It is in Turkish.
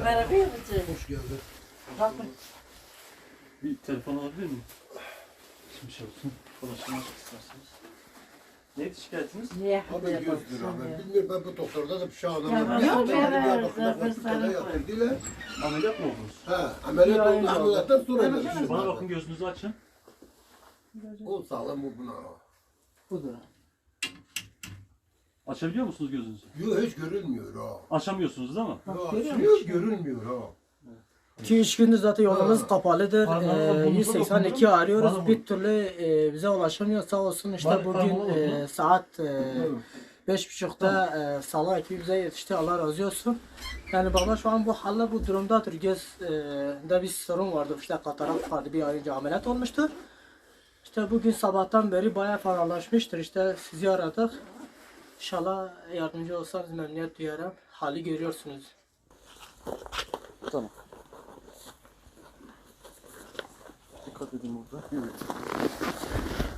Merhaba yapacağım. Hoş geldin. Bakın. Bir telefon alabilir miyim? Şimdi şey olsun. Konuşmak isterseniz. Neydi şikayetiniz? Niye Abi hadi 100 lira. Ben bilmiyorum, ben bu doktorda da bir şey Ya anlamadım. yok Bir ya, Diyarbakır'da ben Fakültede sana yatırdılar. Ameliyat mı oldunuz? Ha, ameliyat oldu. Ameliyattan sonra da bir şey Bana vardı. bakın, gözünüzü açın. O sağlam, bu buna. Budur. Açabiliyor musunuz gözünüzü? Yok, hiç görünmüyor ha. Açamıyorsunuz değil mi? Hiç görünmüyor ha. 2-3 gündür zaten yolumuz kapalıdır. Parmağınızla burnunuza 182 dokundurun. arıyoruz. Bana Bir türlü bize ulaşamıyor. Sağ olsun işte bugün parmağını saat 5.30'da Sala ekibi bize yetişti. Allah razı olsun. Yani baba şu an bu halde bu durumdadır. Gözde bir sorun vardı. İşte katarak vardı. Bir ay önce ameliyat olmuştur. İşte bugün sabahtan beri bayağı faralaşmıştır. İşte sizi aradık. İnşallah yardımcı olsanız memnuniyet duyarım. Hali görüyorsunuz. Tamam. Dikkat edin burada. Evet.